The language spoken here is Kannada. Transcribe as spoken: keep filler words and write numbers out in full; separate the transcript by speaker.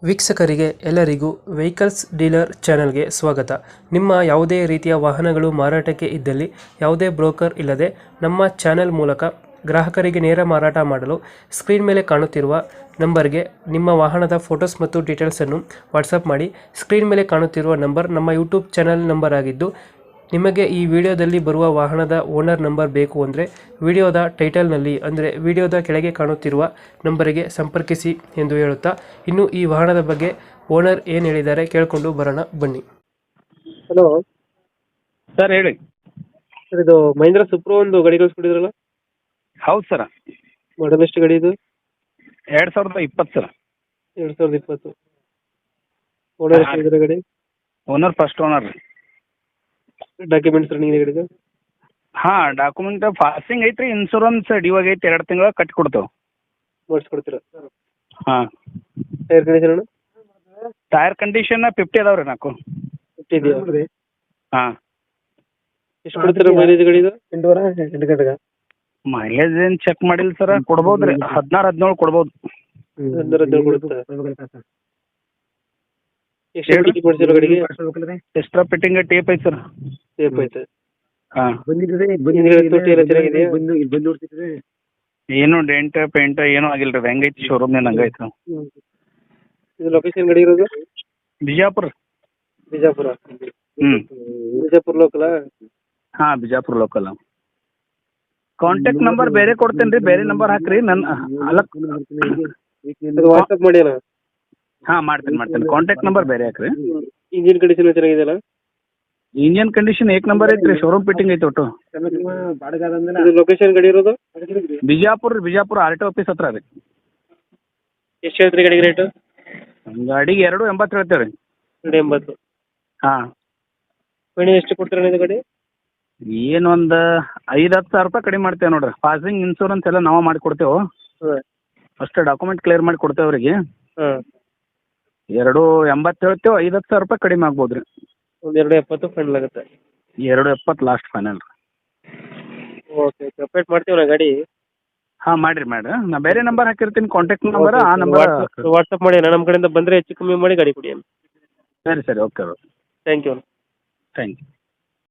Speaker 1: ವೀಕ್ಷಕರಿಗೆ ಎಲ್ಲರಿಗೂ ವೆಹಿಕಲ್ಸ್ ಡೀಲರ್ ಚಾನೆಲ್ಗೆ ಸ್ವಾಗತ. ನಿಮ್ಮ ಯಾವುದೇ ರೀತಿಯ ವಾಹನಗಳು ಮಾರಾಟಕ್ಕೆ ಇದ್ದಲ್ಲಿ ಯಾವುದೇ ಬ್ರೋಕರ್ ಇಲ್ಲದೆ ನಮ್ಮ ಚಾನೆಲ್ ಮೂಲಕ ಗ್ರಾಹಕರಿಗೆ ನೇರ ಮಾರಾಟ ಮಾಡಲು ಸ್ಕ್ರೀನ್ ಮೇಲೆ ಕಾಣುತ್ತಿರುವ ನಂಬರ್ಗೆ ನಿಮ್ಮ ವಾಹನದ ಫೋಟೋಸ್ ಮತ್ತು ಡೀಟೇಲ್ಸನ್ನು ವಾಟ್ಸಪ್ ಮಾಡಿ. ಸ್ಕ್ರೀನ್ ಮೇಲೆ ಕಾಣುತ್ತಿರುವ ನಂಬರ್ ನಮ್ಮ ಯೂಟ್ಯೂಬ್ ಚಾನೆಲ್ ನಂಬರ್ ಆಗಿದ್ದು, ನಿಮಗೆ ಈ ವಿಡಿಯೋದಲ್ಲಿ ಬರುವ ವಾಹನದ ಓನರ್ ನಂಬರ್ ಬೇಕು ಅಂದರೆ ವಿಡಿಯೋದ ಟೈಟಲ್ನಲ್ಲಿ ಅಂದರೆ ವಿಡಿಯೋದ ಕೆಳಗೆ ಕಾಣುತ್ತಿರುವ ನಂಬರಿಗೆ ಸಂಪರ್ಕಿಸಿ ಎಂದು ಹೇಳುತ್ತಾ, ಇನ್ನು ಈ ವಾಹನದ ಬಗ್ಗೆ ಓನರ್ ಏನು ಹೇಳಿದ್ದಾರೆ ಕೇಳಿಕೊಂಡು ಬರೋಣ ಬನ್ನಿ. ಹಲೋ
Speaker 2: ಸರ್ ಹೇಳಿ.
Speaker 1: ಸರ್, ಇದು ಮಹೀಂದ್ರ ಸುಪ್ರೋ ಒಂದು ಗಾಡಿ ಕಳಿಸ್ಕೊಟ್ಟಿದ್ರಲ್ಲ,
Speaker 2: ಹೌದು ಸರ.
Speaker 1: ಮಾಡಲ್ ಎಷ್ಟು ಗಾಡಿ ಇದು?
Speaker 2: ಎರಡು ಸಾವಿರದ ಇಪ್ಪತ್ತು ಸರ್.
Speaker 1: ಎರಡು ಸಾವಿರದ ಇಪ್ಪತ್ತು. ಓನರ್ ಎಷ್ಟಿದ್ದಾರೆ ಗಾಡಿ?
Speaker 2: ಓನರ್ ಫಸ್ಟ್ ಓನರ್ ರೀ.
Speaker 1: ಡಾಕ್ಯುಮೆಂಟ್ಸ್ ರನ್ನಿಂಗ್ ಗಾಡಿದು?
Speaker 2: ಹಾಂ, ಡಾಕ್ಯುಮೆಂಟ್ ಪಾಸಿಂಗ್ ಐತ್ರಿ, ಇನ್ಶೂರೆನ್ಸ್ ಡ್ಯೂವಾಗ ಐತಿ, ಎರಡು ತಿಂಗಳ ಕಟ್ಟಿ ಕೊಡ್ತೇವೆ.
Speaker 1: ಮಾಡಿಸ್ಕೊಡ್ತೀರಾ?
Speaker 2: ಹಾಂ.
Speaker 1: Tyre condition?
Speaker 2: Tyre condition fifty ಅದಾವೆ ರೀ, ನಾಲ್ಕು
Speaker 1: ಫಿಫ್ಟಿ ಇದೆಯಾ?
Speaker 2: ಹಾಂ.
Speaker 1: ಎಷ್ಟು ಕೊಡ್ತೀರಾ ಮೈಲೇಜ್ ಗಾಡಿದು? ಎಂಟೂವರೆ ಎಂಟು ಗಂಟೆಗೆ?
Speaker 2: ಮೈಲೇಜ್ ಏನು ಚೆಕ್ ಮಾಡಿಲ್ಲ ಸರ್, ಕೊಡ್ಬೋದು ರೀ, ಹದಿನಾರು ಹದಿನೇಳು ಕೊಡ್ಬೋದು.
Speaker 1: ಹದಿನಾರು ಹದಿನೇಳು ಕೊಡುತ್ತೆ. ಎಷ್ಟು ಫಿಟ್ಟಿಂಗ್ ಮಾಡ್ಸಿರೋ ಗಾಡಿಗೆ?
Speaker 2: ಎಕ್ಸ್ಟ್ರಾ ಫಿಟ್ಟಿಂಗ್ ಟೇಪ್ ಐತೆ ಸರ್.
Speaker 1: ಟೇಪ್ ಐತೆ.
Speaker 2: ಹಾಂ.
Speaker 1: ತೊಟ್ಟಿ ಎಲ್ಲ ಚೆನ್ನಾಗಿದೆಯಾ?
Speaker 2: ಏನು ಡೆಂಟ್ ಪೇಂಟ್ ಏನೂ ಆಗಿಲ್ಲ ರೀ, ಹೆಂಗೈತಿ ಶೋರೂಮ್ನೇನು ಹಂಗೈತೆ.
Speaker 1: ಇದು ಲೊಕೇಶನ್ ಗಾಡಿ ಇರೋದು?
Speaker 2: ಬಿಜಾಪುರ.
Speaker 1: ಬಿಜಾಪುರ?
Speaker 2: ಹ್ಞೂ.
Speaker 1: ಬಿಜಾಪುರ ಲೋಕಲಾ?
Speaker 2: ಹಾಂ, ಬಿಜಾಪುರ ಲೋಕಲ್. ಕಾಂಟ್ಯಾಕ್ಟ್ ನಂಬರ್ ಬೇರೆ ಕೊಡ್ತೇನೆ ರೀ, ಬೇರೆ ನಂಬರ್ ಹಾಕ್ರಿ. ನನ್ನ ಅಲ್ಲ,
Speaker 1: ವಾಟ್ಸಪ್ ಮಾಡಿ ಅಲ್ಲ?
Speaker 2: ಹಾಂ, ಮಾಡ್ತೇನೆ ಮಾಡ್ತೇನೆ ಕಾಂಟ್ಯಾಕ್ಟ್ ನಂಬರ್ ಬೇರೆ ಹಾಕ್ರಿ.
Speaker 1: ಇಂಜಿನ್ ಕಂಡೀಷನ್ ಚೆನ್ನಾಗಿದೆಯಲ್ಲ?
Speaker 2: ಇಂಜಿನ್ ಕಂಡೀಷನ್ ಏಕ್ ನಂಬರ್ ಐತ್ರಿ, ಶೋರೂಮ್ ಫಿಟ್ಟಿಂಗ್ ಐತೆ ಒಟ್ಟು.
Speaker 1: ಲೊಕೇಶನ್ ಗಾಡಿ ಇರೋದು?
Speaker 2: ಬಿಜಾಪುರ ರೀ, ಬಿಜಾಪುರ ಆರ್ ಟಿ ಆಫೀಸ್ ಹತ್ರ ರೀ.
Speaker 1: ಎಷ್ಟು ಹೇಳ್ತೀರಿ ಗಾಡಿಗೆ ರೇಟು?
Speaker 2: ಗಾಡಿಗೆ ಎರಡು ಎಂಬತ್ತು ಹೇಳ್ತೇವೆ ರೀ.
Speaker 1: ಎರಡು ಎಂಬತ್ತು? ಹಾಂ. ಫೈನಲ್ ಎಷ್ಟು ಕೊಡ್ತೀರಾ ಇದು ಗಾಡಿ?
Speaker 2: ಏನು ಒಂದು ಐದು ಹತ್ತು ಸಾವಿರ ರೂಪಾಯಿ ಕಡಿಮೆ ಮಾಡ್ತೇವೆ ನೋಡ್ರಿ. ಪಾಸಿಂಗ್ ಇನ್ಶೂರೆನ್ಸ್ ಎಲ್ಲ ನಾವು ಮಾಡಿ ಕೊಡ್ತೇವೆ.
Speaker 1: ಹಾಂ.
Speaker 2: ಅಷ್ಟು ಡಾಕ್ಯುಮೆಂಟ್ ಕ್ಲಿಯರ್ ಮಾಡಿ ಕೊಡ್ತೇವೆ ಅವರಿಗೆ.
Speaker 1: ಹಾಂ.
Speaker 2: ಎರಡು ಎಂಬತ್ತು ಹೇಳ್ತೇವೆ, ಐದು ಹತ್ತು ಸಾವಿರ ರೂಪಾಯಿ ಕಡಿಮೆ ಆಗ್ಬೋದು ರೀ.
Speaker 1: ಒಂದು ಎರಡು ಎಪ್ಪತ್ತು ಫೈನಲ್ ಆಗುತ್ತೆ?
Speaker 2: ಎರಡು ಎಪ್ಪತ್ತು ಲಾಸ್ಟ್ ಫೈನಲ್ ರೀ.
Speaker 1: ಓಕೆ, ಅಪ್ಡೇಟ್ ಮಾಡ್ತೀವಿ ಗಾಡಿ.
Speaker 2: ಹಾಂ, ಮಾಡಿರಿ ಮಾಡಿರಿ. ನಾ ಬೇರೆ ನಂಬರ್ ಹಾಕಿರ್ತೀನಿ, ಕಾಂಟ್ಯಾಕ್ಟ್ ನಂಬರ್. ಆ ನಂಬರ್
Speaker 1: ವಾಟ್ಸಪ್ ಮಾಡಿ, ನಮ್ಮ ಕಡೆಯಿಂದ ಬಂದರೆ ಹೆಚ್ಚು ಕಮ್ಮಿ ಮಾಡಿ ಗಾಡಿ ಕೊಡಿ.
Speaker 2: ಸರಿ ಸರಿ, okay okay.
Speaker 1: Thank you.
Speaker 2: Thank you.